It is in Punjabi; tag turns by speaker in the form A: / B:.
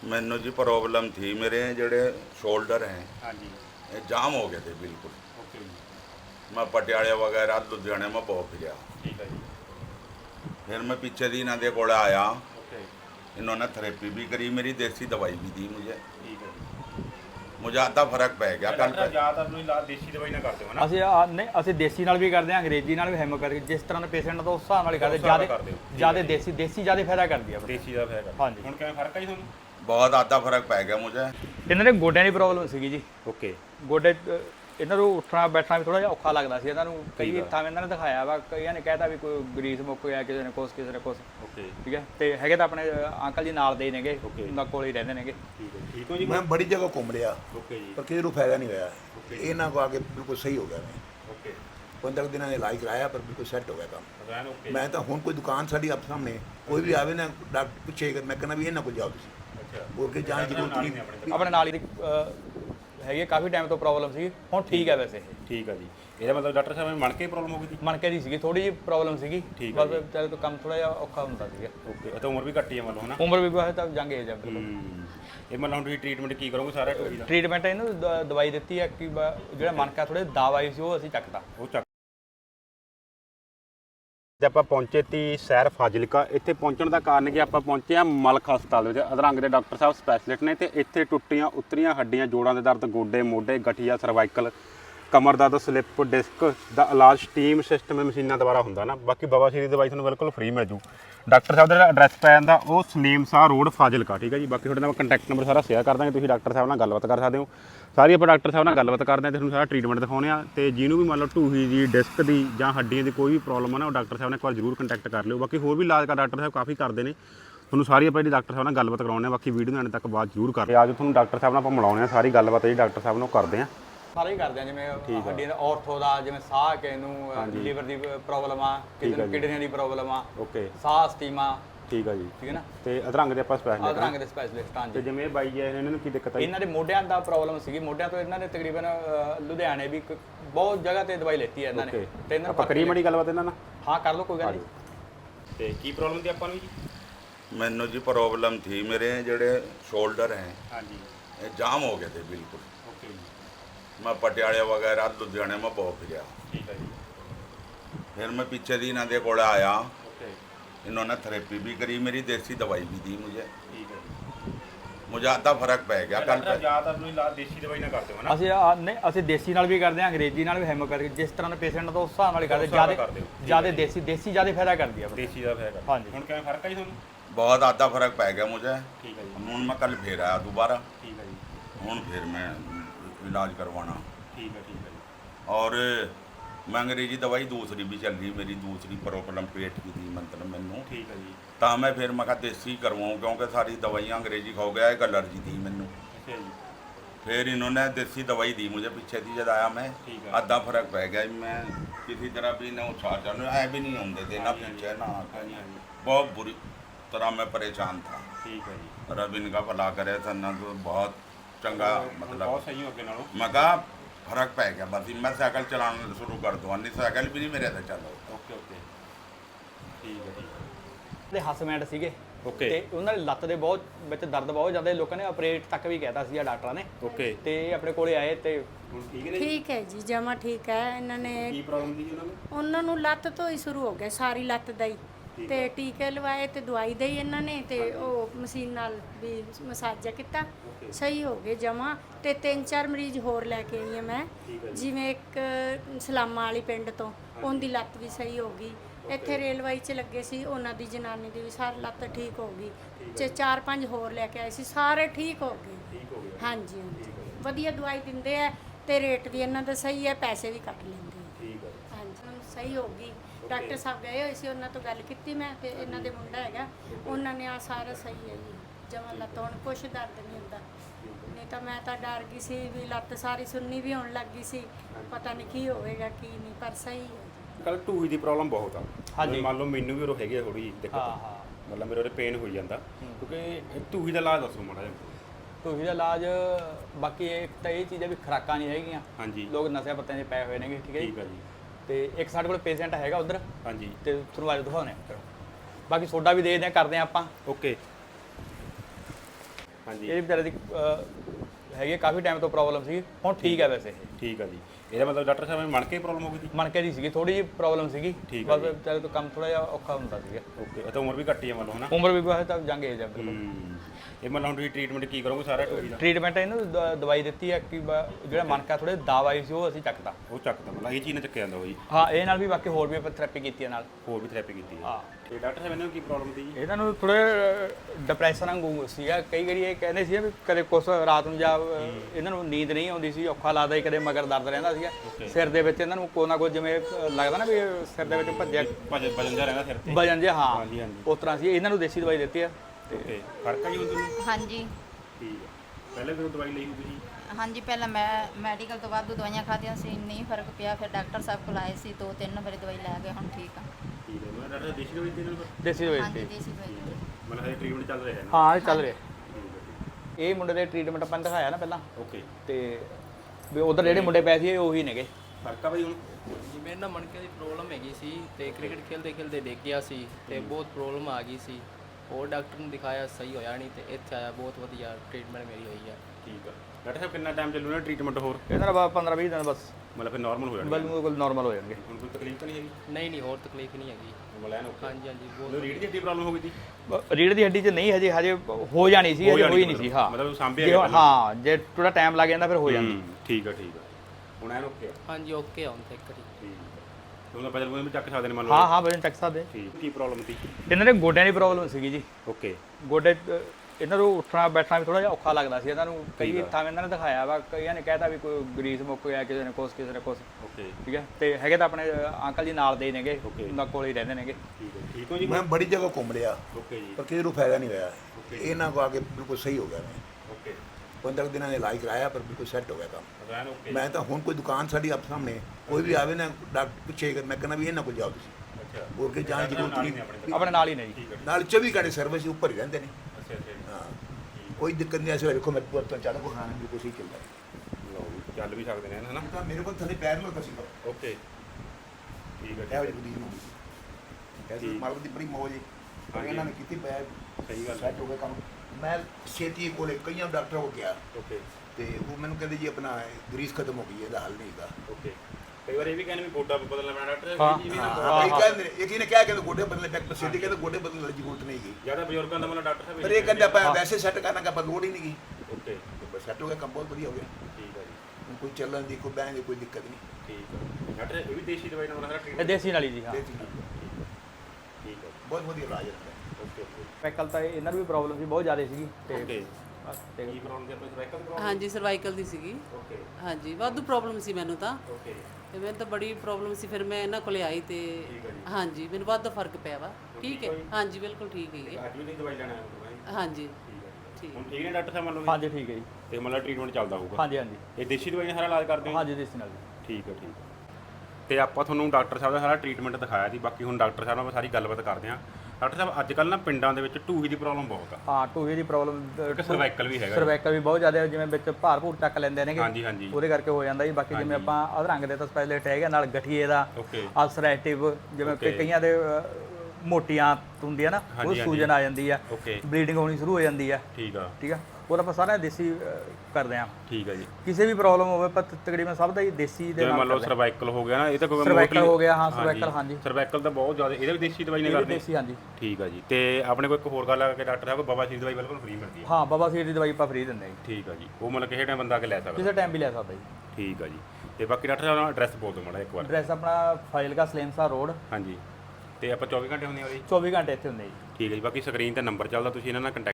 A: ਮੈਨੂੰ ਜੀ ਪ੍ਰੋਬਲਮ ਥੀ ਮੇਰੇ ਜਿਹੜੇ ਸ਼ੋਲਡਰ ਹੈ
B: हाँ जी।
A: ये जाम हो गए थे बिल्कुल।
B: ओके जी।
A: मैं पटियाले वगैरह लुधियाने में बहुत फिरा।
B: ठीक है जी।
A: फिर मैं पीछे दी इन्हों के कोल आया,
B: ओके
A: इन्होंने थेरेपी भी करी, मेरी देसी दवाई भी दी मुझे।
B: ठीक है जी।
A: मुझे आधा फर्क पै गया कल पे।
B: ज़्यादातर ਨੂੰ ਇਲਾਜ ਦੇਸੀ ਦਵਾਈ ਨਾਲ ਕਰਦੇ ਹੋ ਨਾ?
C: ਨਹੀਂ ਅਸੀਂ ਦੇਸੀ ਨਾਲ ਵੀ ਕਰਦੇ ਹਾਂ, ਅੰਗਰੇਜ਼ੀ ਨਾਲ ਵੀ ਹੈਮੋਪੈਥੀ, ਜਿਸ ਤਰ੍ਹਾਂ ਦੇ ਪੇਸ਼ੈਂਟ ਦਾ ਉਸ ਹਿਸਾਬ ਨਾਲ ਹੀ ਕਰਦੇ।
B: ਉਸ ਹਿਸਾਬ ਨਾਲ ਕਰਦੇ ਹੋ।
C: ਜਿਆਦਾ ਦੇਸੀ ਜਿਆਦਾ ਫਾਇਦਾ ਕਰਦੀ ਆ।
B: ਦੇਸੀ ਦਾ ਫਾਇਦਾ।
C: ਹਾਂਜੀ।
B: ਹੁਣ ਕਿਵੇਂ ਫਰਕ ਆ ਜੀ ਤੁਹਾਨੂੰ?
A: बहुत आधा फर्क पै गया मुझे।
C: ਇਹਨਾਂ ਦੇ ਗੋਡਿਆਂ ਦੀ ਪ੍ਰੋਬਲਮ ਸੀਗੀ ਜੀ।
B: ਓਕੇ।
C: ਗੋਡੇ ਇਹਨਾਂ ਨੂੰ ਉੱਠਣਾ ਬੈਠਣਾ ਵੀ ਥੋੜਾ ਜਿਹਾ ਔਖਾ ਲੱਗਦਾ ਸੀ ਇਹਨਾਂ ਨੂੰ। ਕਈ ਥਾਂ ਇਹਨਾਂ ਨੇ ਦਿਖਾਇਆ ਵਾ, ਕਈਆਂ ਨੇ ਕਹਿਤਾ ਵੀ ਕੋਈ ਗਰੀਸ ਮੁੱਕ ਗਿਆ, ਕਿਸੇ ਨੇ ਕਿਸੇ ਨੇ ਕੁਛ।
B: ਓਕੇ
C: ਠੀਕ ਹੈ, ਤੇ ਹੈਗੇ ਤਾਂ ਆਪਣੇ ਅੰਕਲ ਜੀ ਨਾਲ ਦੇ ਹੀ ਨੇਗੇ,
B: Okay।
C: ਉਹਨਾਂ ਕੋਲ ਹੀ ਰਹਿੰਦੇ ਨੇਗੇ।
B: ਠੀਕ ਹੈ ਜੀ। ਠੀਕ ਹੋ ਜੀ?
D: मैं बड़ी जगह घूम लिया
B: ਓਕੇ ਜੀ।
D: पर किसी को फायदा नहीं होया। इन्हों को आके बिल्कुल सही हो गया। मैं
B: ਓਕੇ
D: 15 दिन ने इलाज कराया पर बिल्कुल सेट हो गया काम।
B: ਰਹਿਣ ਓਕੇ।
D: मैं तो हूँ कोई दुकान साड़ी आप सामने कोई भी आवे ना डॉक्टर पूछे मैं कहना भी इन्हों को जाओ तुम
B: ਅੱਛਾ।
D: और के जाने की जरूरत नहीं।
C: ਆਪਣੇ ਨਾਲ ਹੀ ਹੈਗੀ, ਕਾਫੀ ਟਾਈਮ ਤੋਂ ਪ੍ਰੋਬਲਮ ਸੀ, ਹੁਣ ਠੀਕ ਹੈ ਵੈਸੇ।
B: ਠੀਕ ਹੈ ਜੀ। ਇਹਦਾ ਮਤਲਬ ਡਾਕਟਰ ਸਾਹਿਬ ਨੇ ਮਣ ਕੇ ਪ੍ਰੋਬਲਮ ਹੋ ਗਈ ਸੀ?
C: ਮਣਕੇ ਦੀ ਸੀਗੀ, ਥੋੜੀ ਜਿਹੀ ਪ੍ਰੋਬਲਮ ਸੀਗੀ,
B: ਠੀਕ ਹੈ
C: ਬਸ ਚੱਲ ਤੋਂ ਕੰਮ ਥੋੜਾ ਜਿਹਾ ਔਖਾ ਹੁੰਦਾ ਸੀਗਾ।
B: ਓਕੇ। ਤਾਂ ਉਮਰ ਵੀ ਘੱਟੀ ਹੈ ਮਤਲਬ, ਹੈ ਨਾ?
C: ਉਮਰ ਵੀ ਬਹੁਤ ਤਾਂ ਜੰਗ ਏਜ ਆ ਬਿਲਕੁਲ।
B: ਇਹ ਮਤਲਬ ਹੁਣ ਤੁਸੀਂ ਟ੍ਰੀਟਮੈਂਟ ਕੀ ਕਰੋਗੇ ਸਾਰਾ ਟੋਰੀ ਦਾ?
C: ਟ੍ਰੀਟਮੈਂਟ ਇਹਨੂੰ ਦਵਾਈ ਦਿੱਤੀ ਹੈ ਕਿ ਜਿਹੜਾ ਮਣਕਾ ਥੋੜੇ ਦਾਵ ਆਈ ਸੀ ਉਹ ਅਸੀਂ ਚੱਕਤਾ।
B: ਉਹ ਚੱਕ ਤੇ ਆਪਾਂ ਪਹੁੰਚੇ ਤੀ ਸ਼ਹਿਰ ਫਾਜ਼ਿਲਕਾ। ਇੱਥੇ ਪਹੁੰਚਣ ਦਾ ਕਾਰਨ ਕਿ ਆਪਾਂ ਪਹੁੰਚੇ ਆ ਮਲਕ ਹਸਪਤਾਲ ਵਿੱਚ। ਅਧਰੰਗ ਦੇ ਡਾਕਟਰ ਸਾਹਿਬ ਸਪੈਸ਼ਲਿਸਟ ਨੇ ਤੇ ਇੱਥੇ ਟੁੱਟੀਆਂ ਉਤਰੀਆਂ ਹੱਡੀਆਂ, ਜੋੜਾਂ ਦੇ ਦਰਦ, ਗੋਡੇ ਮੋਢੇ, ਗਠੀਆ, ਸਰਵਾਈਕਲ, ਕਮਰ ਦਰਦ, ਸਲਿੱਪ ਡਿਸਕ ਦਾ ਇਲਾਜ ਸਟੀਮ ਸਿਸਟਮ ਮਸ਼ੀਨਾਂ ਦੁਆਰਾ ਹੁੰਦਾ ਨਾ। ਬਾਕੀ ਬਵਾਸੀਰ ਦੀ ਦਵਾਈ ਤੁਹਾਨੂੰ ਬਿਲਕੁਲ ਫ੍ਰੀ ਮਿਲ ਜੂ। ਡਾਕਟਰ ਸਾਹਿਬ ਦਾ ਜਿਹੜਾ ਐਡਰੈਸ ਪੈ ਜਾਂਦਾ ਉਹ ਸਲੀਮ ਸ਼ਾਹ ਰੋਡ ਫਾਜ਼ਿਲਕਾ। ਠੀਕ ਹੈ ਜੀ। ਬਾਕੀ ਤੁਹਾਡੇ ਨਾਲ ਕੰਟੈਕਟ ਨੰਬਰ ਸਾਰਾ ਸ਼ੇਅਰ ਕਰ ਦਾਂਗੇ, ਤੁਸੀਂ ਡਾਕਟਰ ਸਾਹਿਬ ਨਾਲ ਗੱਲਬਾਤ ਕਰ ਸਕਦੇ ਹੋ। ਸਾਰੀ ਆਪਾਂ ਡਾਕਟਰ ਸਾਹਿਬ ਨਾਲ ਗੱਲਬਾਤ ਕਰਦੇ ਹਾਂ ਤੇ ਤੁਹਾਨੂੰ ਸਾਰਾ ਟ੍ਰੀਟਮੈਂਟ ਦਿਖਾਉਂਦੇ ਆ। ਤੇ ਜਿਹਨੂੰ ਵੀ ਮੰਨ ਲਓ ਢੂਹੀ ਦੀ, ਡਿਸਕ ਦੀ ਜਾਂ ਹੱਡੀਆਂ ਦੀ ਕੋਈ ਵੀ ਪ੍ਰੋਬਲਮ ਹੈ ਨਾ, ਉਹ ਡਾਕਟਰ ਸਾਹਿਬ ਨਾਲ ਇੱਕ ਵਾਰ ਜ਼ਰੂਰ ਕੰਟੈਕਟ ਕਰ ਲਿਓ। ਬਾਕੀ ਹੋਰ ਵੀ ਇਲਾਜ ਕਰ ਡਾਕਟਰ ਸਾਹਿਬ ਕਾਫੀ ਕਰਦੇ ਨੇ। ਤੁਹਾਨੂੰ ਸਾਰੀ ਆਪਾਂ ਜਿਹੜੀ ਡਾਕਟਰ ਸਾਹਿਬ ਨਾਲ ਗੱਲਬਾਤ ਕਰਾਉਂਦੇ ਆ। ਬਾਕੀ ਵੀਡੀਓ ਦੇ ਐਂਡ ਤੱਕ ਬਾਅਦ ਜ਼ਰੂਰ ਕਰ ਲਿਓ। ਅੱਜ ਤੁਹਾਨੂੰ ਡਾਕਟਰ ਸਾਹਿਬ ਨਾਲ ਆਪਾਂ ਮਿਲਾਉਂਦੇ ਆ, ਸਾਰੀ ਗੱਲਬਾਤ ਜਿਹੜੀ ਡਾਕਟਰ ਸਾਹਿਬ ਨਾਲ ਕਰਦੇ ਆ।
C: ਸਾਰੇ ਹੀ ਕਰਦੇ ਆ, ਜਿਵੇਂ ਹੱਡੀਆਂ ਦਾ, ਔਰਥੋ ਦਾ, ਜਿਵੇਂ ਸਾਹ ਕਿਸੇ ਨੂੰ ਲੀਵਰ ਦੀ ਪ੍ਰੋਬਲਮ ਆ, ਕਿਸੇ ਨੂੰ ਕਿਡਨੀਆਂ ਦੀ ਪ੍ਰੋਬਲਮ ਆ,
B: ਓਕੇ।
C: ਸਾਹ ਸਟੀਮਾ।
B: ਠੀਕ ਹੈ ਜੀ।
C: ਠੀਕ ਹੈ ਨਾ।
B: ਤੇ ਅਧਰੰਗ ਦੇ ਆਪਾਂ ਸਪੈਸ਼ਲਿਸਟ
C: ਅਧਰੰਗ ਦੇ ਸਪੈਸ਼ਲਿਸਟ ਹਾਂ
B: ਤੇ
C: ਜੀ।
B: ਜਿਵੇਂ ਇਹ ਬਾਈ ਜੀ ਆਏ ਨੇ, ਇਹਨਾਂ ਨੂੰ ਕੀ ਦਿੱਕਤ ਆਈ?
C: ਇਹਨਾਂ ਦੇ ਮੋਢਿਆਂ ਦਾ ਪ੍ਰੋਬਲਮ ਸੀਗੀ। ਮੋਢਿਆਂ ਤੋਂ ਇਹਨਾਂ ਨੇ ਤਕਰੀਬਨ ਲੁਧਿਆਣੇ ਵੀ ਬਹੁਤ ਜਗ੍ਹਾ ਤੇ ਦਵਾਈ ਲੈਤੀ ਹੈ ਇਹਨਾਂ ਨੇ। ਤੇ ਇਹਨਾਂ
B: ਆਪਾਂ ਕਰੀ ਮੜੀ ਗੱਲਬਾਤ ਇਹਨਾਂ ਨਾਲ।
C: ਹਾਂ ਕਰ ਲਓ, ਕੋਈ ਗੱਲ ਨਹੀਂ।
B: ਤੇ ਕੀ ਪ੍ਰੋਬਲਮ ਦੀ ਆਪਾਂ ਨੂੰ ਜੀ?
A: मैनू जी प्रॉब्लम थी मेरे ਜਿਹੜੇ शोल्डर हैं
B: ਹਾਂਜੀ।
A: ये जाम हो गए थे बिल्कुल।
B: ਓਕੇ ਜੀ।
A: मैं पटियाले वगैरह लुधियाने में बहुत फिरा।
B: ਠੀਕ ਹੈ ਜੀ।
A: फिर मैं पीछे दी इन्हों के कोल आया,
B: ਓਕੇ
A: इन्होंने थेरेपी भी करी, मेरी देसी दवाई भी दी मुझे।
B: ਠੀਕ ਹੈ ਜੀ।
A: मुझे आधा फर्क पै गया कल पे।
B: ਜ਼ਿਆਦਾतर ਨੂੰ ਇਲਾਜ ਦੇਸੀ ਦਵਾਈ ਨਾਲ ਕਰਦੇ ਹੋ ਨਾ?
C: ਨਹੀਂ ਅਸੀਂ ਦੇਸੀ ਨਾਲ ਵੀ ਕਰਦੇ ਹਾਂ, ਅੰਗਰੇਜ਼ੀ ਨਾਲ ਵੀ ਹੈਮੋਪੈਥੀ, ਜਿਸ ਤਰ੍ਹਾਂ ਦੇ ਪੇਸ਼ੈਂਟ ਦਾ ਉਸ ਹਿਸਾਬ ਨਾਲ ਹੀ ਕਰਦੇ।
B: ਉਸ ਹਿਸਾਬ ਨਾਲ ਕਰਦੇ ਹੋ।
C: ਜਿਆਦਾ ਦੇਸੀ ਜਿਆਦਾ ਫਾਇਦਾ ਕਰਦੀ ਆ।
B: ਦੇਸੀ ਦਾ ਫਾਇਦਾ।
C: ਹਾਂਜੀ।
B: ਹੁਣ ਕਿਵੇਂ ਫਰਕ ਆ ਜੀ ਤੁਹਾਨੂੰ?
A: बहुत आधा फर्क पै गया मुझे।
B: ਠੀਕ ਹੈ ਜੀ।
A: हूँ मैं कल फिर आया दोबारा,
B: ਠੀਕ ਹੈ ਜੀ।
A: हूँ फिर मैं इलाज करवाना।
B: ਠੀਕ ਹੈ ਜੀ।
A: और मैं अंग्रेजी दवाई दूसरी भी चल रही, मेरी दूसरी प्रॉब्लम पेट की थी मतलब मैनू।
B: ਠੀਕ ਹੈ ਜੀ।
A: ਤਾਂ ਮੈਂ ਫਿਰ ਮੈਂ ਕਿਹਾ ਦੇਸੀ ਕਰਵਾऊँ क्योंकि सारी दवाइयाँ अंग्रेजी खा गया, एक एलर्जी थी मैनू।
B: ਅੱਛਾ ਜੀ।
A: फिर इन्होंने देसी दवाई दी मुझे, पीछे थी जब आया मैं,
B: ठीक है।
A: आधा फर्क पै गया। मैं किसी तरह भी ना उछाल चालू ऐ भी नहीं होते थे, ना पीछे ना आगे।
B: ਹਾਂਜੀ ਹਾਂਜੀ।
A: बहुत बुरी तरह मैं परेशान था।
B: ਠੀਕ ਹੈ ਜੀ।
A: रब इनका भला करे, सन्ना तो बहुत चंगा मतलब।
B: ਬਹੁਤ ਸਹੀ ਹੋ ਅੱਗੇ ਨਾਲੋਂ।
A: मैं कहा फर्क पै गया, बस मैं साइकिल चलाना शुरू कर दूँ, नहीं साइकिल भी नहीं मेरे से चलो।
B: Okay okay. ਠੀਕ ਹੈ ਠੀਕ ਹੈ।
C: ਦੇ ਹਸਬੈਂਡ ਸੀਗੇ
B: ਓਕੇ।
C: ਤੇ ਉਹਨਾਂ ਦੀ ਲੱਤ ਦੇ ਬਹੁਤ ਵਿੱਚ ਦਰਦ ਬਹੁਤ ਜ਼ਿਆਦਾ, ਲੋਕਾਂ ਨੇ ਆਪਰੇਟ ਤੱਕ ਵੀ ਕਹਿਤਾ ਸੀ ਡਾਕਟਰਾਂ ਨੇ।
B: ਓਕੇ।
C: ਤੇ ਆਪਣੇ ਕੋਲੇ ਆਏ ਤੇ
B: ਹੁਣ ਠੀਕ ਨੇ?
E: ਠੀਕ ਹੈ ਜੀ, ਜਮਾ ਠੀਕ ਹੈ। ਇਹਨਾਂ ਨੇ
B: ਕੀ ਪ੍ਰੋਬਲਮ ਦੀ ਜੀ ਉਹਨਾਂ ਨੂੰ?
E: ਉਹਨਾਂ ਨੂੰ ਲੱਤ ਤੋਂ ਹੀ ਸ਼ੁਰੂ ਹੋ ਗਿਆ, ਸਾਰੀ ਲੱਤ ਦਾ ਹੀ। ਤੇ ਟੀਕੇ ਲਵਾਏ ਤੇ ਦਵਾਈ ਦੇਈ ਇਹਨਾਂ ਨੇ, ਤੇ ਉਹ ਮਸ਼ੀਨ ਨਾਲ ਵੀ ਮਸਾਜਾ ਕੀਤਾ, ਸਹੀ ਹੋ ਗਏ ਜਮਾ। ਤੇ 3-4 ਮਰੀਜ਼ ਹੋਰ ਲੈ ਕੇ ਆਈ ਹਾਂ ਮੈਂ, ਜਿਵੇਂ ਇੱਕ ਸਲਾਮਾ ਵਾਲੀ ਪਿੰਡ ਤੋਂ, ਉਹਦੀ ਲੱਤ ਵੀ ਸਹੀ ਹੋ ਗਈ। ਇੱਥੇ ਰੇਲਵਾਈ 'ਚ ਲੱਗੇ ਸੀ, ਉਹਨਾਂ ਦੀ ਜਨਾਨੀ ਦੀ ਵੀ ਸਾਰੀ ਲੱਤ ਠੀਕ ਹੋ ਗਈ। 4-5 ਹੋਰ ਲੈ ਕੇ ਆਏ ਸੀ, ਸਾਰੇ ਠੀਕ ਹੋ ਗਏ। ਹਾਂਜੀ ਹਾਂਜੀ, ਵਧੀਆ ਦਵਾਈ ਦਿੰਦੇ ਆ ਤੇ ਰੇਟ ਵੀ ਇਹਨਾਂ ਦਾ ਸਹੀ ਹੈ, ਪੈਸੇ ਵੀ ਕੱਟ ਲੈਂਦੇ ਆ।
B: ਠੀਕ ਹੈ।
E: ਹਾਂਜੀ, ਹੁਣ ਸਹੀ ਹੋ ਗਈ। ਡਾਕਟਰ ਸਾਹਿਬ ਗਏ ਹੋਏ ਸੀ, ਉਹਨਾਂ ਤੋਂ ਗੱਲ ਕੀਤੀ ਮੈਂ, ਤੇ ਇਹਨਾਂ ਦੇ ਮੁੰਡਾ ਹੈਗਾ, ਉਹਨਾਂ ਨੇ ਆ ਸਾਰਾ ਸਹੀ ਹੈ ਜੀ, ਜਮਾਂ ਲੱਤ ਹੁਣ ਕੁਛ ਦਰਦ ਨਹੀਂ ਹੁੰਦਾ। ਨਹੀਂ ਤਾਂ ਮੈਂ ਤਾਂ ਡਰ ਗਈ ਸੀ ਵੀ ਲੱਤ ਸਾਰੀ ਸੁੰਨੀ ਵੀ ਹੋਣ ਲੱਗ ਗਈ ਸੀ, ਪਤਾ ਨਹੀਂ ਕੀ ਹੋਵੇਗਾ ਕੀ ਨਹੀਂ, ਪਰ ਸਹੀ ਹੈ ਜੀ।
B: ਕੱਲ ਢੂਹੀ ਦੀ ਪ੍ਰੋਬਲਮ ਬਹੁਤ ਆ।
C: ਹਾਂਜੀ।
B: ਮੰਨ ਲਓ ਮੈਨੂੰ ਵੀ ਉਹ ਹੈਗੀ ਆ ਥੋੜੀ ਦਿੱਕਤ।
C: ਹਾਂ ਹਾਂ।
B: ਮਤਲਬ ਮੇਰੇ ਉਹਦੇ ਪੇਨ ਹੋਈ ਜਾਂਦਾ, ਕਿਉਂਕਿ ਢੂਹੀ ਦਾ ਇਲਾਜ ਦੱਸੋ ਮਾੜਾ ਜਿਹਾ।
C: ਢੂਹੀ ਦਾ ਇਲਾਜ ਬਾਕੀ ਇੱਕ ਤਾਂ ਇਹ ਚੀਜ਼ ਹੈ ਵੀ ਖੁਰਾਕਾਂ ਨਹੀਂ ਹੈਗੀਆਂ,
B: ਹਾਂਜੀ।
C: ਲੋਕ ਨਸ਼ਿਆਂ ਪੱਤਿਆਂ 'ਚ ਪਏ ਹੋਏ ਨੇਗੇ। ਠੀਕ ਹੈ ਜੀ।
B: ਠੀਕ ਹੈ ਜੀ।
C: ਤੇ ਇੱਕ ਸਾਡੇ ਕੋਲ ਪੇਸ਼ੈਂਟ ਹੈਗਾ ਉਧਰ,
B: ਹਾਂਜੀ।
C: ਤੇ ਤੁਹਾਨੂੰ ਆਜੋ ਦਿਖਾਉਂਦੇ ਆ। ਬਾਕੀ ਸੋਡਾ ਵੀ ਦੇ ਕਰਦੇ ਆ ਆਪਾਂ।
B: ਓਕੇ। ਹਾਂਜੀ।
C: ਇਹ ਵਿਚਾਰੇ ਦੀ ਹੈਗੀ ਕਾਫੀ ਟਾਈਮ ਤੋਂ ਪ੍ਰੋਬਲਮ ਸੀ, ਹੁਣ ਠੀਕ ਹੈ ਵੈਸੇ ਇਹ।
B: ਠੀਕ ਆ ਜੀ, ਇਹਦਾ ਮਤਲਬ ਡਾਕਟਰ ਸਾਹਿਬ ਨੇ ਮਣ ਕੇ ਪ੍ਰੋਬਲਮ ਹੋ ਗਈ ਸੀ।
C: ਮਣਕੇ ਦੀ ਸੀਗੀ, ਥੋੜੀ ਜਿਹੀ ਪ੍ਰੋਬਲਮ ਸੀਗੀ,
B: ਠੀਕ ਹੈ
C: ਬਸ ਵਿਚਾਰੇ ਤੋਂ ਕੰਮ ਥੋੜਾ ਜਿਹਾ ਔਖਾ ਹੁੰਦਾ ਸੀਗਾ।
B: ਓਕੇ, ਤਾਂ ਉਮਰ ਵੀ ਘੱਟ ਹੀ ਹੈ ਮਤਲਬ, ਹਨਾ?
C: ਉਮਰ ਵੀ ਬਹੁਤ ਤਾਂ ਜੰਗ ਏਜ ਹੈ ਬਿਲਕੁਲ।
B: ਇਹ ਮਤਲਬ ਹੁਣ ਤੁਸੀਂ ਟ੍ਰੀਟਮੈਂਟ ਕੀ ਕਰੋਗੇ ਸਾਰਾ ਟੋਰੀ ਦਾ?
C: ਟ੍ਰੀਟਮੈਂਟ ਇਹਨੂੰ ਦਵਾਈ ਦਿੱਤੀ ਹੈ ਕਿ ਜਿਹੜਾ ਮਣਕਾ ਥੋੜੇ ਦਾਵ ਆਈ ਸੀ ਉਹ ਅਸੀਂ ਚੱਕਤਾ।
B: ਉਹ ਚੱਕਦਾ ਮਤਲਬ ਇਹ ਚੀਜ਼ ਨਾਲ ਚੱਕਿਆ ਜਾਂਦਾ ਉਹ ਜੀ?
C: ਹਾਂ, ਇਹ ਨਾਲ ਵੀ ਬਾਕੀ ਹੋਰ ਵੀ ਆਪਾਂ ਥੈਰੇਪੀ ਕੀਤੀ ਹੈ ਨਾਲ।
B: ਹੋਰ ਵੀ ਥੈਰੇਪੀ ਕੀਤੀ ਹੈ?
C: ਹਾਂ।
B: ਤੇ ਡਾਕਟਰ ਸਾਹਿਬ ਇਹਨਾਂ ਨੂੰ ਕੀ ਪ੍ਰੋਬਲਮ ਸੀ ਜੀ?
C: ਇਹਨਾਂ ਨੂੰ ਥੋੜੇ ਡਿਪਰੈਸ਼ਨ ਵਾਂਗੂ ਸੀਗਾ, ਕਈ ਵਾਰੀ ਇਹ ਕਹਿੰਦੇ ਸੀ ਵੀ ਕਦੇ ਕੁਛ ਰਾਤ ਨੂੰ ਜਾਂ ਇਹਨਾਂ ਨੂੰ ਨੀਂਦ ਨਹੀਂ ਆਉਂਦੀ ਸੀ, ਔਖਾ ਲੱਗਦਾ ਸੀ, ਕਦੇ ਮਗਰ ਦਰਦ ਰਹਿੰਦਾ ਸੀਗਾ ਸਿਰ ਦੇ ਵਿੱਚ, ਇਹਨਾਂ ਨੂੰ ਕੋਈ ਨਾ ਕੋਈ ਜਿਵੇਂ ਲੱਗਦਾ ਨਾ ਵੀ ਸਿਰ ਦੇ ਵਿੱਚ ਭੱਜਿਆ
B: ਵਜਨ ਜਿਹਾ ਰਹਿੰਦਾ ਸਿਰ ਤੇ?
C: ਵਜਨ ਜਿਹਾ, ਹਾਂ
B: ਹਾਂਜੀ, ਹਾਂਜੀ।
C: ਉਸ ਤਰ੍ਹਾਂ ਸੀ। ਇਹਨਾਂ ਨੂੰ ਦੇਸੀ ਦਵਾਈ ਦਿੱਤੀ ਆ।
B: ਓਕੇ, ਫਰਕ ਆ ਜੀ ਹੁਣ ਤੁਹਾਨੂੰ?
F: ਹਾਂਜੀ
B: ਠੀਕ ਹੈ, ਪਹਿਲੇ ਕਿਉਂ ਦਵਾਈ ਲਈ ਹੋਈ ਤੁਸੀਂ?
F: ਹਾਂਜੀ, ਪਹਿਲਾਂ ਮੈਂ ਮੈਡੀਕਲ ਤੋਂ ਵਾਧੂ ਦਵਾਈਆਂ ਖਾਧੀਆਂ ਸੀ, ਨਹੀਂ ਫਰਕ ਪਿਆ। ਫਿਰ ਡਾਕਟਰ ਸਾਹਿਬ ਕੋਲ ਆਏ ਸੀ, 2-3 ਵਾਰੀ ਦਵਾਈ ਲੈ ਗਏ, ਹੁਣ ਠੀਕ ਆ।
B: ਠੀਕ ਹੈ, ਮੈਂ ਡਾਕਟਰ ਸਾਹਿਬ ਦੇਸੀ ਦਵਾਈ ਦੇ ਨਾਲ
C: ਦੇਸੀ ਦਵਾਈ
F: ਹਾਂਜੀ,
C: ਦਿੱਤੀ।
F: ਦੇਸੀ ਦਵਾਈ ਦਿੱਤੀ।
B: ਮਤਲਬ ਹਜੇ ਟ੍ਰੀਟਮੈਂਟ ਚੱਲ ਰਿਹਾ ਹੈ ਨਾ?
C: ਹਾਂ, ਇਹ ਚੱਲ ਰਿਹਾ।
B: ਠੀਕ ਹੈ,
C: ਇਹ ਮੁੰਡੇ ਦੇ ਟ੍ਰੀਟਮੈਂਟ ਆਪਾਂ ਨੇ ਦਿਖਾਇਆ ਨਾ ਪਹਿਲਾਂ,
B: ਓਕੇ।
C: ਤੇ ਵੀ ਉਧਰ ਜਿਹੜੇ ਮੁੰਡੇ ਪਏ ਸੀ ਇਹ ਉਹੀ ਨੇਗੇ।
B: ਫਰਕ ਆ ਬਈ ਹੁਣ?
G: ਜੀ ਮੇਰੇ ਨਾਲ ਮਣਕੇ ਦੀ ਪ੍ਰੋਬਲਮ ਹੈਗੀ ਸੀ ਤੇ ਕ੍ਰਿਕਟ ਖੇਲਦੇ ਖੇਲਦੇ ਡਿੱਗ ਗਿਆ ਸੀ ਤੇ ਬਹੁਤ ਪ੍ਰੋਬਲਮ ਆ ਗਈ ਸੀ। ਹੋਰ ਡਾਕਟਰ ਨੂੰ ਦਿਖਾਇਆ, ਸਹੀ ਹੋਇਆ ਨਹੀਂ, ਤੇ ਇੱਥੇ ਆਇਆ, ਬਹੁਤ ਵਧੀਆ ਟ੍ਰੀਟਮੈਂਟ ਮੇਰੀ ਹੋਈ ਹੈ।
B: ਠੀਕ ਆ ਡਾਕਟਰ ਸਾਹਿਬ, ਕਿੰਨਾ ਟਾਈਮ ਚੱਲੂ ਨਾ ਟ੍ਰੀਟਮੈਂਟ ਹੋਰ?
C: ਇਹਨਾਂ ਦਾ 15-20 ਦਿਨ ਬਸ
B: ਮਤਲਬ ਫਿਰ ਨਾਰਮਲ ਹੋ ਜਾਣਗੇ?
C: ਬਿਲਕੁਲ ਨਾਰਮਲ ਹੋ ਜਾਣਗੇ।
B: ਹੁਣ ਕੋਈ ਤਕਲੀਫ ਤਾਂ ਨਹੀਂ ਹੈਗੀ?
G: ਨਹੀਂ ਨਹੀਂ, ਹੋਰ ਤਕਲੀਫ ਨਹੀਂ ਹੈਗੀ।
B: ਮਤਲਬ ਐਨ ਓਕੇ?
G: ਹਾਂਜੀ ਹਾਂਜੀ, ਬਹੁਤ
B: ਰੀੜ ਦੀ ਹੱਡੀ ਪ੍ਰੋਬਲਮ ਹੋ ਗਈ ਸੀ?
C: ਰੀੜ ਦੀ ਹੱਡੀ 'ਚ ਨਹੀਂ, ਹਜੇ ਹੋ ਜਾਣੀ ਸੀ, ਹਜੇ ਹੋਈ ਨਹੀਂ ਸੀ। ਹਾਂ,
B: ਮਤਲਬ ਸਾਂਭਿਆ
C: ਜੇ
B: ਗਿਆ ਪਹਿਲਾਂ?
C: ਹਾਂ, ਜੇ ਥੋੜਾ ਟਾਈਮ ਲੱਗ ਜਾਂਦਾ ਫਿਰ ਹੋ ਜਾਂਦੀ।
B: ਠੀਕ ਆ, ਠੀਕ ਆ। ਹੁਣ ਐਨ ਓਕੇ ਆ?
G: ਹਾਂਜੀ, ਓਕੇ ਆ ਹੁਣ ਤੱਕ ਕਰੀ।
B: ਠੀਕ ਆ, ਹੁਣ ਬਦਲ ਬਦਲ ਵੀ ਚੱਕ ਸਕਦੇ ਨੇ ਮੰਨ ਲਓ?
C: ਹਾਂ ਹਾਂ, ਵਜਨ ਚੱਕ ਸਕਦੇ।
B: ਠੀਕ। ਕੀ ਪ੍ਰੋਬਲਮ ਸੀ?
C: ਇਹਨਾਂ ਦੇ ਗੋਡਿਆਂ ਦੀ ਪ੍ਰੋਬਲਮ ਸੀਗੀ ਜੀ।
B: ਓਕੇ।
C: ਗੋਡੇ ਇਹਨਾਂ ਨੂੰ ਉੱਠਣਾ ਬੈਠਣਾ ਵੀ ਥੋੜਾ ਜਿਹਾ ਔਖਾ ਲੱਗਦਾ ਸੀ। ਇਹਨਾਂ ਨੂੰ ਕਈ ਥਾਂ ਇਹਨਾਂ ਨੇ ਦਿਖਾਇਆ ਵਾ, ਕਈਆਂ ਨੇ ਕਹਿਤਾ ਵੀ ਕੋਈ ਗਰੀਸ ਮੁੱਕ ਗਿਆ, ਕਿਸੇ ਨੇ ਕੁਛ, ਕਿਸੇ ਨੇ ਕੁਛ।
B: ਓਕੇ,
C: ਠੀਕ ਹੈ, ਤੇ ਹੈਗੇ ਤਾਂ ਆਪਣੇ ਅੰਕਲ ਜੀ ਨਾਲ ਦੇ ਹੀ ਨੇਗੇ,
B: Okay.
C: ਉਹਨਾਂ ਕੋਲ ਹੀ ਰਹਿੰਦੇ ਨੇਗੇ।
B: ਠੀਕ ਹੈ। ਠੀਕ ਹੋ ਜੀ?
D: ਮੈਂ ਬੜੀ ਜਗ੍ਹਾ ਘੁੰਮ ਲਿਆ,
B: ਓਕੇ ਜੀ।
D: ਪਰ ਕਿਸੇ ਨੂੰ ਫਾਇਦਾ ਨਹੀਂ ਹੋਇਆ। ਇਹਨਾਂ ਕੋ ਆ ਕੇ ਬਿਲਕੁਲ ਸਹੀ ਹੋ ਗਿਆ। ਮੈਂ
B: ਓਕੇ,
D: 15 ਦਿਨਾਂ ਦੇ ਇਲਾਜ ਕਰਾਇਆ, ਪਰ ਬਿਲਕੁਲ ਸੈੱਟ ਹੋ ਗਿਆ ਕੰਮ।
B: ਮਤਲਬ ਐਨ ਓਕੇ?
D: ਮੈਂ ਤਾਂ ਹੁਣ ਕੋਈ ਦੁਕਾਨ ਸਾਡੀ ਆਪ ਸਾਹਮਣੇ, ਕੋਈ ਵੀ ਆਵੇ ਨਾ ਡਾਕਟਰ ਪੁੱਛੇ, ਮੈਂ ਕਹਿੰਦਾ ਵੀ ਇਹਨਾਂ ਕੋਲ ਜਾਓ ਤੁਸੀਂ,
B: ਅੱਛਾ।
D: ਹੋਰ ਕੇ ਜਾਣ ਦੀ ਜ਼ਰੂਰਤ ਨਹੀਂ।
C: ਆਪਣੇ ਨਾਲ ਹੀ ਨੇ ਜੀ।
B: ਠੀਕ ਹੈ।
D: ਨਾਲ 24 ਘੰਟੇ ਸਰਵਿਸ ਉੱਪਰ ਹੀ ਰਹਿੰਦੇ ਨੇ।
B: ਅੱਛਾ ਅੱਛਾ।
D: ਹਾਂ, ਕੋਈ ਦਿੱਕਤ ਨਹੀਂ। ਐਸੇ ਵੇਖੋ ਮੈਂ ਪੁੱਤ ਚਾਲੂ ਕੋ ਖਾਣਾ ਬਿਲਕੁਲ ਸਹੀ ਚੱਲਦਾ ਹੈ।
B: ਲਓ ਜੀ, ਚੱਲ ਵੀ ਸਕਦੇ ਨੇ ਹਨਾ?
D: ਤਾਂ ਮੇਰੇ ਕੋਲ ਥੱਲੇ ਪੈਰ ਨੂੰ ਸੀ
B: ਓਕੇ, ਠੀਕ ਹੈ।
D: ਇਹੋ ਜਿਹੀ ਬੁੱਧੀ ਨੂੰ ਐਸੇ ਮਾਲਕ ਦੀ ਬੜੀ ਮੌਜ ਹੈ। ਪਰ ਇਹਨਾਂ ਨੇ ਕੀਤੀ ਪੈਰ
B: ਸਹੀ ਗੱਲ ਹੈ।
D: ਸੈੱਟ ਹੋ ਗਿਆ ਕੰਮ। ਮੈਂ ਛੇਤੀ ਕੋਲੇ ਕਈਆਂ ਡਾਕਟਰਾਂ ਕੋਲ ਗਿਆ,
B: ਓਕੇ
D: ਤੇ ਉਹ ਮੈਨੂੰ ਕਹਿੰਦੇ ਜੀ ਆਪਣਾ ਗਰੀਸ ਖਤਮ ਹੋ ਗਈ ਹੈ, ਇਹਦਾ ਹੱਲ ਨਹੀਂ ਹੈਗਾ।
B: ਓਕੇ। ਕਈ ਵਾਰ ਇਹ ਵੀ ਕਹਿੰਦੇ ਵੀ ਗੋਡਾ ਬਦਲਣਾ ਪੈਣਾ ਡਾਕਟਰ?
C: ਹਾਂ,
B: ਇਹ ਵੀ ਨਾ
D: ਹਾਂ, ਕਈ ਕਹਿੰਦੇ ਨੇ, ਇੱਕ ਇਹਨੇ ਕਿਹਾ ਕਿ ਗੋਡੇ ਬਦਲਣੇ ਪੈਕ, ਛੇਤੀ ਕਹਿੰਦੇ ਗੋਡੇ ਬਦਲਣ ਦੀ ਜ਼ਰੂਰਤ ਨਹੀਂ ਹੈਗੀ।
B: ਜਿਆਦਾ ਬਜ਼ੁਰਗਾਂ ਦਾ ਮਤਲਬ ਡਾਕਟਰ ਸਾਹਿਬ
D: ਪਰ ਇਹ ਕਹਿੰਦਾ ਆਪਾਂ ਵੈਸੇ ਸੈੱਟ ਕਰਨਾ ਕਿ ਆਪਾਂ ਲੋੜ ਹੀ ਨਹੀਂ ਗਈ।
B: ਓਕੇ,
D: ਸੈੱਟ ਹੋ ਗਿਆ, ਕੰਮ ਬਹੁਤ ਵਧੀਆ ਹੋ ਗਿਆ।
B: ਠੀਕ ਹੈ ਜੀ।
D: ਹੁਣ ਕੋਈ ਚੱਲਣ ਦੀ, ਕੋਈ ਬਹਿਣ ਦੀ ਕੋਈ ਦਿੱਕਤ ਨਹੀਂ।
B: ਠੀਕ ਹੈ ਡਾਕਟਰ, ਇਹ ਵੀ ਦੇਸੀ ਦਵਾਈ ਨਾਲ ਸਾਰਾ
C: ਇਹ
B: ਟ੍ਰੀਟਮੈਂਟ?
C: ਦੇਸੀ ਨਾਲ ਹੀ ਜੀ। ਹਾਂ,
D: ਦੇਸੀ ਨਾਲ
B: ਠੀਕ ਹੈ,
D: ਬਹੁਤ ਵਧੀਆ ਇਲਾਜ ਹੈ।
B: Okay okay.
C: ਪੈਕਲ ਤਾਂ ਇਹਨਾਂ ਨੂੰ ਵੀ ਪ੍ਰੋਬਲਮ ਸੀ, ਬਹੁਤ ਜ਼ਿਆਦਾ ਸੀਗੀ। ਤੇ
B: ਓਕੇ,
C: ਬਸ ਤੇ
B: ਕੀ ਪ੍ਰੋਬਲਮ ਸੀ? ਆਪਣੀ ਸਰਵਾਈਕਲ ਦੀ ਪ੍ਰੋਬਲਮ?
H: ਹਾਂਜੀ, ਸਰਵਾਈਕਲ ਦੀ ਸੀਗੀ।
B: ਓਕੇ
H: ਹਾਂਜੀ, ਵਾਧੂ ਪ੍ਰੋਬਲਮ ਸੀ ਮੈਨੂੰ ਤਾਂ,
B: ਓਕੇ।
H: ਤੇ ਮੈਨੂੰ ਤਾਂ ਬੜੀ ਪ੍ਰੋਬਲਮ ਸੀ। ਫਿਰ ਮੈਂ ਇਹਨਾਂ ਕੋਲੇ ਆਈ ਤੇ
B: ਠੀਕ ਹੈ ਜੀ।
H: ਹਾਂਜੀ, ਮੈਨੂੰ ਵਾਧੂ ਫਰਕ ਪਿਆ ਵਾ। ਠੀਕ ਹੈ,
B: ਹੋਈ?
H: ਹਾਂਜੀ, ਬਿਲਕੁਲ ਠੀਕ ਹੈ।
B: ਅੱਜ ਵੀ ਨਹੀਂ ਦਵਾਈ ਲੈਣਾ ਹੈ?
H: ਹਾਂਜੀ,
B: ਠੀਕ ਹੈ।
H: ਠੀਕ।
B: ਹੁਣ ਠੀਕ ਨੇ ਡਾਕਟਰ ਸਾਹਿਬ ਮੰਨ ਲਓ?
C: ਹਾਂਜੀ, ਠੀਕ ਹੈ ਜੀ।
B: ਤੇ ਮਤਲਬ ਟ੍ਰੀਟਮੈਂਟ ਚੱਲਦਾ ਹੋਊਗਾ?
C: ਹਾਂਜੀ ਹਾਂਜੀ
B: ਇਹ ਦੇਸੀ ਦਵਾਈ ਨਾਲ ਸਾਰਾ ਇਲਾਜ ਕਰਦੇ ਹੋ?
C: ਹਾਂਜੀ, ਦੇਸੀ ਨਾਲ ਜੀ।
B: ਠੀਕ ਹੈ, ਠੀਕ ਹੈ। ਤੇ ਆਪਾਂ ਤੁਹਾਨੂੰ ਡਾਕਟਰ ਸਾਹਿਬ ਦਾ ਸਾਰਾ ਟ੍ਰੀਟਮੈਂਟ ਦਿਖਾਇਆ ਸੀ। ਬਾਕੀ ਹੁਣ ਡਾਕਟਰ ਸਾਹਿਬ ਨਾਲ ਆਪਾਂ ਸਾਰੀ ਗੱਲਬਾਤ ਕਰਦੇ ਹਾਂ। ਡਾਕਟਰ ਸਾਹਿਬ, ਅੱਜ ਕੱਲ੍ਹ ਨਾ ਪਿੰਡਾਂ ਦੇ ਵਿੱਚ ਢੂਹੀ ਦੀ ਪ੍ਰੋਬਲਮ ਬਹੁਤ ਆ।
C: ਹਾਂ, ਟੂਹੇ ਦੀ ਪ੍ਰੋਬਲਮ,
B: ਇੱਕ ਸਰਵਾਈਕਲ ਵੀ ਹੈਗਾ?
C: ਸਰਵਾਈਕਲ ਵੀ ਬਹੁਤ ਜ਼ਿਆਦਾ, ਜਿਵੇਂ ਵਿੱਚ ਭਾਰ ਭੂਰ ਚੱਕ ਲੈਂਦੇ ਨੇਗੇ,
B: ਹਾਂਜੀ ਹਾਂਜੀ।
C: ਉਹਦੇ ਕਰਕੇ ਹੋ ਜਾਂਦਾ ਜੀ। ਬਾਕੀ ਜਿਵੇਂ ਆਪਾਂ ਅਧਰੰਗ ਦੇ ਤਾਂ ਸਪੈਸ਼ਲਿਸਟ ਹੈਗੇ, ਨਾਲ ਗਠੀਏ ਦਾ,
B: ਓਕੇ
C: ਅਲਸਰੇਟਿਵ, ਜਿਵੇਂ ਕਿ ਕਈਆਂ ਦੇ ਮੋਟੀਆਂ ਹੁੰਦੀਆਂ ਨਾ, ਉਹ
B: ਹਾਂਜੀ,
C: ਸੂਜਨ ਆ ਜਾਂਦੀ ਆ,
B: ਓਕੇ
C: ਬਲੀਡਿੰਗ ਹੋਣੀ ਸ਼ੁਰੂ ਹੋ ਜਾਂਦੀ ਆ।
B: ਠੀਕ ਆ,
C: ਠੀਕ ਆ, ਉਹ ਆਪਾਂ ਸਾਰਾ ਦੇਸੀ ਕਰਦੇ ਆ।
B: ਠੀਕ ਆ ਜੀ।
C: ਕਿਸੇ ਵੀ ਪ੍ਰੋਬਲਮ ਹੋਵੇ ਪਰ ਤਕਰੀਬਨ ਸਭ ਦਾ ਹੀ ਦੇਸੀ ਦੇ
B: ਜਿਵੇਂ
C: ਨਾਲ
B: ਮੰਨ ਲਓ
C: ਕਰਦੇ ਆ।
B: ਸਰਵਾਈਕਲ ਹੋ ਗਿਆ ਨਾ, ਇਹ ਤਾਂ ਕੋਈ
C: ਸਰਵਾਈਕਲ
B: mostly-
C: ਹੋ ਗਿਆ, ਹਾਂ ਸਰਵਾਈਕਲ, ਹਾਂਜੀ
B: ਸਰਵਾਈਕਲ ਤਾਂ ਬਹੁਤ ਜ਼ਿਆਦਾ, ਇਹਦਾ ਵੀ ਦੇਸੀ ਦਵਾਈ ਨਾਲ
C: ਇਹ ਵੀ
B: ਕਰਦੇ?
C: ਦੇਸੀ, ਹਾਂਜੀ।
B: ਠੀਕ ਆ ਜੀ। ਤੇ ਆਪਣੇ ਕੋਲ ਇੱਕ ਹੋਰ ਗੱਲ ਆ ਕਿ ਡਾਕਟਰ ਸਾਹਿਬ ਕੋਲ ਬਵਾਸੀਰ ਦੀ ਦਵਾਈ ਬਿਲਕੁਲ ਫ੍ਰੀ ਮਿਲਦੀ ਹੈ?
C: ਹਾਂ, ਬਾਬਾ ਸੀਰ ਦੀ ਦਵਾਈ ਆਪਾਂ ਫ੍ਰੀ ਦਿੰਦੇ ਜੀ।
B: ਠੀਕ ਆ ਜੀ। ਉਹ ਮਤਲਬ ਕਿਸੇ ਟਾਈਮ ਬੰਦਾ ਆ ਕੇ ਲੈ ਸਕਦਾ?
C: ਕਿਸੇ ਟਾਈਮ ਵੀ ਲੈ ਸਕਦਾ ਜੀ।
B: ਠੀਕ ਆ ਜੀ। ਤੇ ਬਾਕੀ ਡਾਕਟਰ ਸਾਹਿਬ ਦਾ ਐਡਰੈਸ ਬੋਲ ਦਿਓ ਮਾੜਾ ਇੱਕ ਵਾਰ।
C: ਐਡਰੈਸ ਆਪਣਾ ਫਾਜ਼ਿਲਕਾ ਸਲੇਮਸਾ ਰੋਡ।
B: ਹਾਂਜੀ। ਤੇ ਆਪਾਂ 24 ਘੰਟੇ ਹੁੰਦੇ ਆ ਜੀ?
C: 24 ਘੰਟੇ ਇੱਥੇ ਹੁੰਦੇ ਜੀ।
B: ਠੀਕ ਹੈ ਜੀ। ਬਾਕੀ ਸਕਰੀਨ ਤੇ ਨੰਬਰ ਚੱਲਦਾ, ਤੁਸੀਂ ਇਹਨਾਂ ਨਾਲ ਕੰਟੈਕਟ